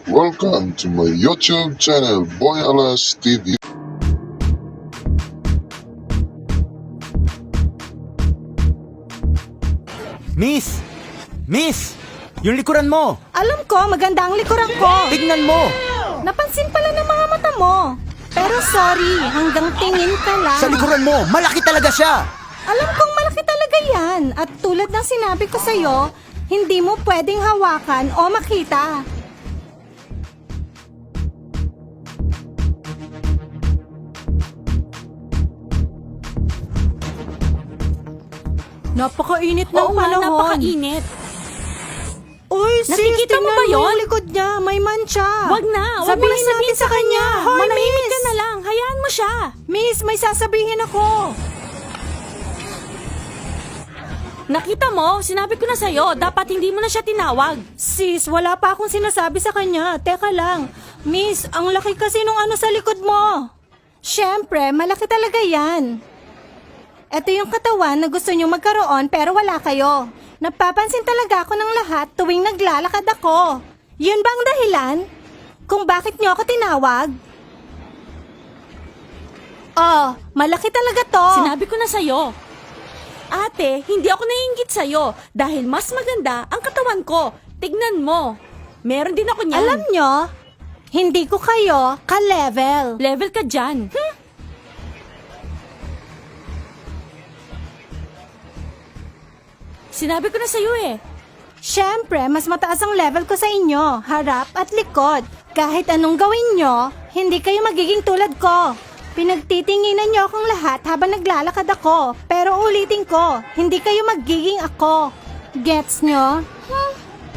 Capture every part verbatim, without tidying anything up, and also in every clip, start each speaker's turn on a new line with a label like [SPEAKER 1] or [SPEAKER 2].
[SPEAKER 1] Welcome to my YouTube channel, Boy Alas T V.
[SPEAKER 2] Miss! Miss! Yung likuran mo!
[SPEAKER 3] Alam ko, maganda ang likuran ko.
[SPEAKER 2] Tignan mo!
[SPEAKER 3] Napansin pala ng mga mata mo. Pero sorry, hanggang tingin ka lang.
[SPEAKER 2] Sa likuran mo, malaki talaga siya!
[SPEAKER 3] Alam kong malaki talaga yan. At tulad ng sinabi ko sa'yo, hindi mo pwedeng hawakan o makita. Napakainit ng
[SPEAKER 4] Oo nga,
[SPEAKER 3] panahon.
[SPEAKER 4] napakainit.
[SPEAKER 3] Uy, sis,
[SPEAKER 4] Nakikita mo
[SPEAKER 3] tingnan
[SPEAKER 4] ba yun?
[SPEAKER 3] yung likod niya, may mancha.
[SPEAKER 4] Wag na, wag mo
[SPEAKER 3] Sabihin
[SPEAKER 4] na sabihin
[SPEAKER 3] natin
[SPEAKER 4] sa kanya.
[SPEAKER 3] Hoy,
[SPEAKER 4] Manahimik
[SPEAKER 3] miss.
[SPEAKER 4] ka na lang, hayaan mo siya.
[SPEAKER 3] Miss, may sasabihin ako.
[SPEAKER 4] Nakita mo, sinabi ko na sa'yo, dapat hindi mo na siya tinawag.
[SPEAKER 3] Sis, wala pa akong sinasabi sa kanya. Teka lang. Miss, ang laki kasi nung ano sa likod mo. Siyempre, malaki talaga yan. Ito yung katawan na gusto nyo magkaroon pero wala kayo. Napapansin talaga ako ng lahat tuwing naglalakad ako. Yun ba ang dahilan? Kung bakit nyo ako tinawag? Oh, malaki talaga to.
[SPEAKER 4] Sinabi ko na sa'yo. Ate, hindi ako naiinggit sa'yo dahil mas maganda ang katawan ko. Tignan mo. Meron din ako niyan.
[SPEAKER 3] Alam nyo, hindi ko kayo ka-level.
[SPEAKER 4] Level ka dyan. Hmm? Sinabi ko na sa'yo eh.
[SPEAKER 3] Siyempre, mas mataas ang level ko sa inyo, harap at likod. Kahit anong gawin nyo, hindi kayo magiging tulad ko. Pinagtitinginan nyo akong lahat habang naglalakad ako. Pero ulitin ko, hindi kayo magiging ako. Gets nyo? Hmm?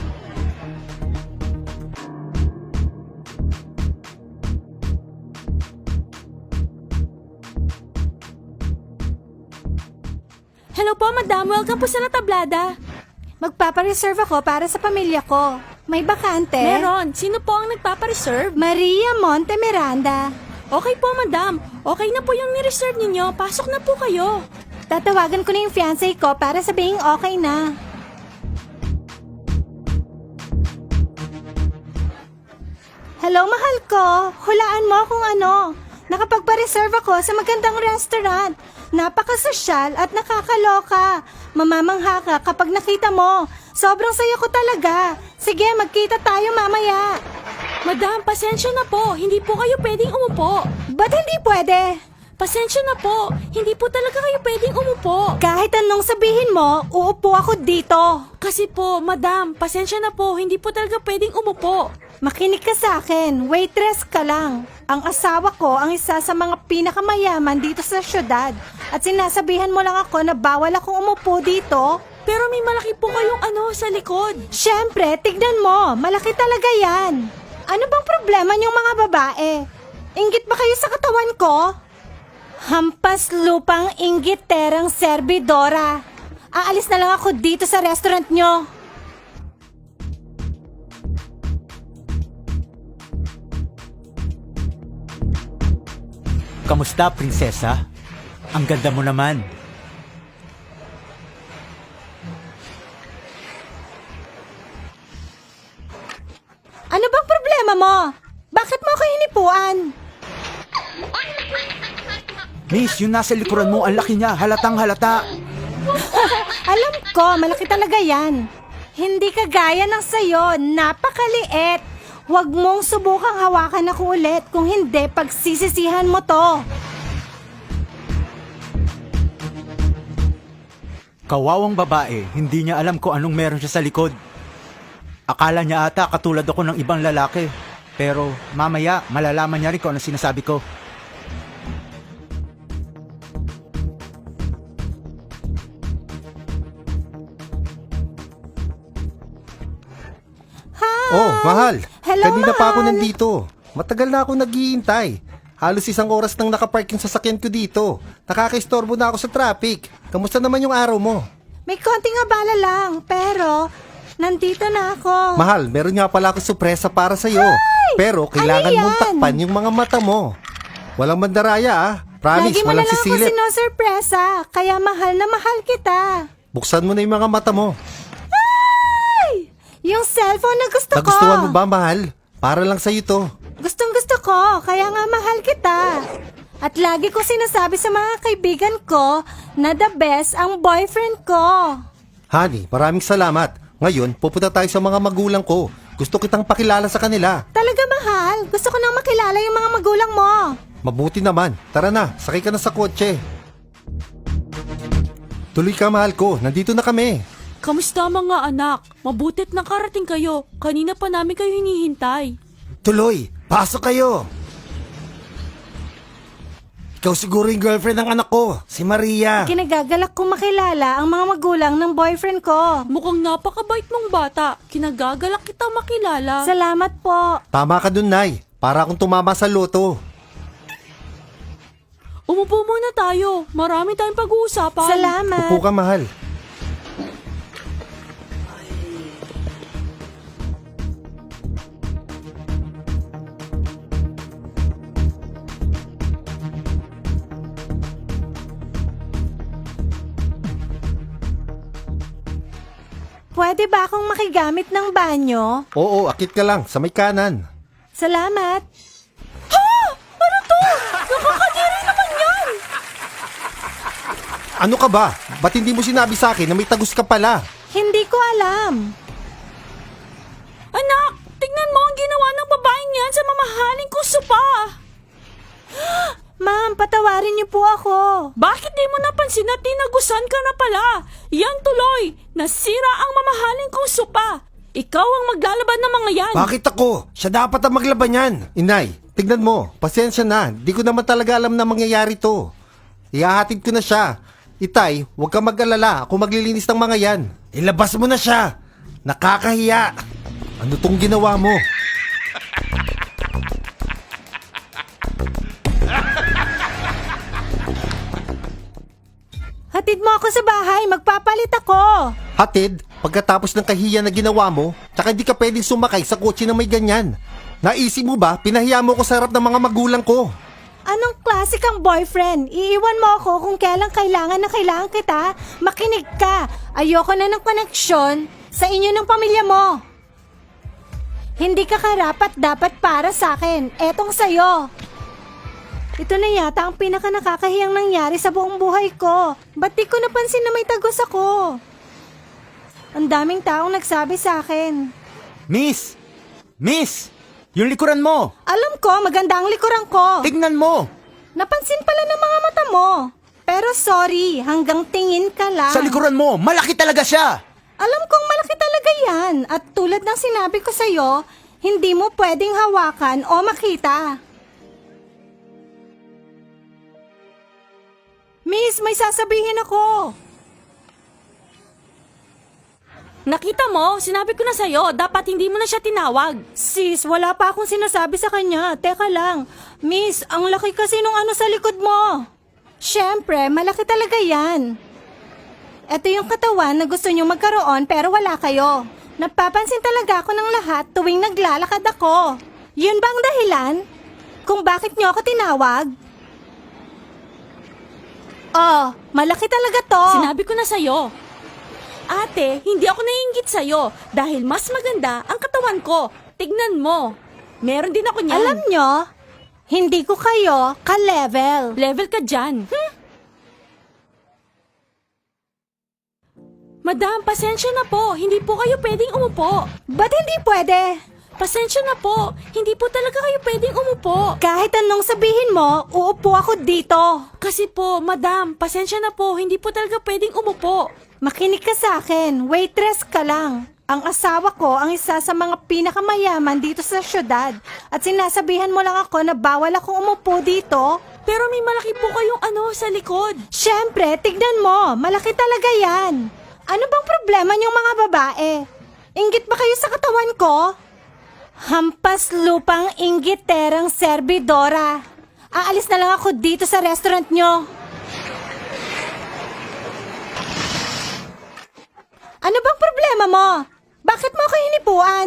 [SPEAKER 4] Hello po, madam. Welcome po sa Natablada.
[SPEAKER 3] Magpapareserve ako para sa pamilya ko. May bakante?
[SPEAKER 4] Meron. Sino po ang nagpapareserve?
[SPEAKER 3] Maria Monte Miranda.
[SPEAKER 4] Okay po, madam. Okay na po yung ni-reserve ninyo. Pasok na po kayo.
[SPEAKER 3] Tatawagan ko na yung fiancé ko para sabihing okay na. Hello, mahal ko. Hulaan mo kung ano. Nakapagpa-reserve ako sa magandang restaurant. Napakasosyal at nakakaloka. Mamamangha ka kapag nakita mo. Sobrang saya ko talaga. Sige, magkita tayo mamaya.
[SPEAKER 4] Madam, pasensya na po. Hindi po kayo pwedeng umupo.
[SPEAKER 3] Ba't hindi pwede?
[SPEAKER 4] Pasensya na po. Hindi po talaga kayo pwedeng umupo.
[SPEAKER 3] Kahit anong sabihin mo, uupo ako dito.
[SPEAKER 4] Kasi po, madam, pasensya na po. Hindi po talaga pwedeng umupo.
[SPEAKER 3] Makinig ka sa akin, waitress ka lang. Ang asawa ko ang isa sa mga pinakamayaman dito sa syudad. At sinasabihan mo lang ako na bawal akong umupo dito.
[SPEAKER 4] Pero may malaki po kayong ano sa likod.
[SPEAKER 3] Siyempre, tignan mo, malaki talaga yan. Ano bang problema niyong mga babae? Inggit ba kayo sa katawan ko? Hampas lupang inggiterang serbidora. Aalis na lang ako dito sa restaurant niyo.
[SPEAKER 2] Kamusta, prinsesa? Ang ganda mo naman.
[SPEAKER 3] Ano bang problema mo? Bakit mo ako hinipuan?
[SPEAKER 2] Miss, yung nasa likuran mo, ang laki niya. Halatang halata.
[SPEAKER 3] Alam ko, malaki talaga yan. Hindi kagaya ng sayo, napakaliit. Huwag mong subukang hawakan ako ulit, kung hindi, pagsisisihan mo to.
[SPEAKER 2] Kawawang babae, hindi niya alam kung anong meron siya sa likod. Akala niya ata katulad ako ng ibang lalaki. Pero mamaya, malalaman niya rin kung anong sinasabi ko.
[SPEAKER 3] Hi!
[SPEAKER 5] Oh, mahal.
[SPEAKER 3] Hello,
[SPEAKER 5] Kanina pa ako
[SPEAKER 3] mahal.
[SPEAKER 5] nandito. Matagal na ako naghihintay. Halos isang oras nang nakapark yung sasakyan ko dito. Nakakaistorbo na ako sa traffic. Kamusta naman yung araw mo?
[SPEAKER 3] May konting abala lang, pero nandito na ako.
[SPEAKER 5] Mahal, meron nga pala ako sorpresa para sa'yo. Pero kailangan
[SPEAKER 3] Ano
[SPEAKER 5] mong
[SPEAKER 3] yan?
[SPEAKER 5] takpan yung mga mata mo. Walang mandaraya ah. Promise,
[SPEAKER 3] Lagi mo na
[SPEAKER 5] walang
[SPEAKER 3] lang ako
[SPEAKER 5] sisilip.
[SPEAKER 3] sinosurpresa, kaya mahal na mahal kita.
[SPEAKER 5] Buksan mo na yung mga mata mo.
[SPEAKER 3] Yung cellphone na gusto ko.
[SPEAKER 5] Nagustuhan mo ba, mahal? Para lang sa'yo to.
[SPEAKER 3] Gustong gusto ko, kaya nga mahal kita. At lagi ko sinasabi sa mga kaibigan ko na the best ang boyfriend ko.
[SPEAKER 5] Honey, maraming salamat. Ngayon, pupunta tayo sa mga magulang ko. Gusto kitang pakilala sa kanila.
[SPEAKER 3] Talaga mahal, gusto ko nang makilala yung mga magulang mo.
[SPEAKER 5] Mabuti naman. Tara na, sakay ka na sa kotse. Tuloy ka, mahal ko. Nandito na kami.
[SPEAKER 4] Kamusta mga anak? Mabutit nakarating kayo. Kanina pa namin kayo hinihintay.
[SPEAKER 5] Tuloy, pasok kayo. Ikaw siguro yung girlfriend ng anak ko, si Maria.
[SPEAKER 3] Kinagagalak kong makilala ang mga magulang ng boyfriend ko.
[SPEAKER 4] Mukhang napakabait mong bata. Kinagagalak kita makilala.
[SPEAKER 3] Salamat po.
[SPEAKER 5] Tama ka dun, Nay. Para akong tumama sa loto.
[SPEAKER 4] Umupo muna tayo. Marami tayong pag-uusapan.
[SPEAKER 3] Salamat.
[SPEAKER 5] Upo ka, mahal.
[SPEAKER 3] Pwede ba akong makigamit ng banyo?
[SPEAKER 5] Oo, akit ka lang, sa may kanan.
[SPEAKER 3] Salamat.
[SPEAKER 5] Ano ka ba? Ba't hindi mo sinabi sa akin na may tagus ka pala?
[SPEAKER 3] Hindi ko alam.
[SPEAKER 4] Anak, tingnan mo ang ginawa ng babaeng yan sa mamahaling kong sopa.
[SPEAKER 3] Ma'am, patawarin niyo po ako.
[SPEAKER 4] Bakit di mo napansin na tinagusan ka na pala? Yan tuloy, nasira ang mamahaling kong sopa. Ikaw ang maglalaban ng mga yan.
[SPEAKER 5] Bakit ako? Siya dapat ang maglaban yan. Inay, tignan mo. Pasensya na. Di ko naman talaga alam na mangyayari to. Ihahatid ko na siya. Itay, huwag ka mag-alala. Ako maglilinis ng mga yan. Ilabas mo na siya. Nakakahiya. Ano tong ginawa mo?
[SPEAKER 3] Hatid mo ako sa bahay, magpapalit ako.
[SPEAKER 5] Hatid, pagkatapos ng kahiya na ginawa mo, tsaka hindi ka pwedeng sumakay sa kotse na may ganyan. Naisip mo ba, pinahiya mo ko sa harap ng mga magulang ko.
[SPEAKER 3] Anong klase kang boyfriend? Iiwan mo ako kung kailan kailangan na kailangan kita? Makinig ka. Ayoko na ng koneksyon sa inyo ng pamilya mo. Hindi ka karapat dapat para sa akin. Etong sayo. Ito na yata ang pinaka nakakahiyang nangyari sa buong buhay ko. Ba't di ko napansin na may tagos ako? Ang daming taong nagsabi sa akin.
[SPEAKER 2] Miss! Miss! Yung likuran mo!
[SPEAKER 3] Alam ko, maganda ang likuran ko.
[SPEAKER 2] Tignan mo!
[SPEAKER 3] Napansin pala ng mga mata mo. Pero sorry, hanggang tingin ka lang.
[SPEAKER 2] Sa likuran mo, malaki talaga siya!
[SPEAKER 3] Alam kong malaki talaga yan. At tulad ng sinabi ko sa'yo, hindi mo pwedeng hawakan o makita. Miss, may sasabihin ako.
[SPEAKER 4] Nakita mo, sinabi ko na sa'yo, dapat hindi mo na siya tinawag.
[SPEAKER 3] Sis, wala pa akong sinasabi sa kanya. Teka lang. Miss, ang laki kasi nung ano sa likod mo. Siyempre, malaki talaga yan. Ito yung katawan na gusto nyo magkaroon pero wala kayo. Napapansin talaga ako ng lahat tuwing naglalakad ako. Yun ba ang dahilan? Kung bakit nyo ako tinawag? Oh, malaki talaga to.
[SPEAKER 4] Sinabi ko na sa'yo. Ate, hindi ako naiinggit sa'yo dahil mas maganda ang katawan ko. Tignan mo. Meron din ako niyan.
[SPEAKER 3] Alam nyo, hindi ko kayo ka-level.
[SPEAKER 4] Level ka dyan. Hmm? Madam, pasensya na po. Hindi po kayo pwedeng umupo.
[SPEAKER 3] Ba't hindi pwede?
[SPEAKER 4] Pasensya na po. Hindi po talaga kayo pwedeng umupo.
[SPEAKER 3] Kahit anong sabihin mo, uupo ako dito.
[SPEAKER 4] Kasi po, madam, pasensya na po. Hindi po talaga pwedeng umupo.
[SPEAKER 3] Makinig ka sa akin, waitress ka lang. Ang asawa ko ang isa sa mga pinakamayaman dito sa syudad. At sinasabihan mo lang ako na bawal akong umupo dito.
[SPEAKER 4] Pero may malaki po kayong ano sa likod.
[SPEAKER 3] Siyempre, tignan mo, malaki talaga yan. Ano bang problema niyong mga babae? Inggit ba kayo sa katawan ko? Hampas lupang inggiterang serbidora. Aalis na lang ako dito sa restaurant niyo. Ano bang problema mo? Bakit mo ako hinipuan?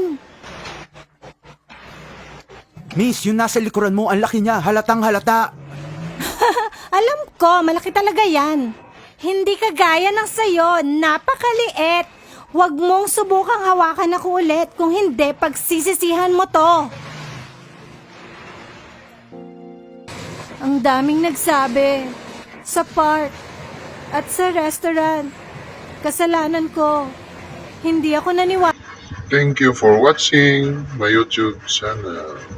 [SPEAKER 2] Miss, yung nasa likuran mo, ang laki niya, halatang halata.
[SPEAKER 3] Alam ko, malaki talaga yan. Hindi kagaya ng sayo, napakaliit. Huwag mong subukang hawakan ako ulit, kung hindi, pagsisisihan mo to. Ang daming nagsabi. Sa park. At sa restaurant. Kasalanan ko. Hindi ako naniwala.
[SPEAKER 1] Thank you for watching my YouTube channel.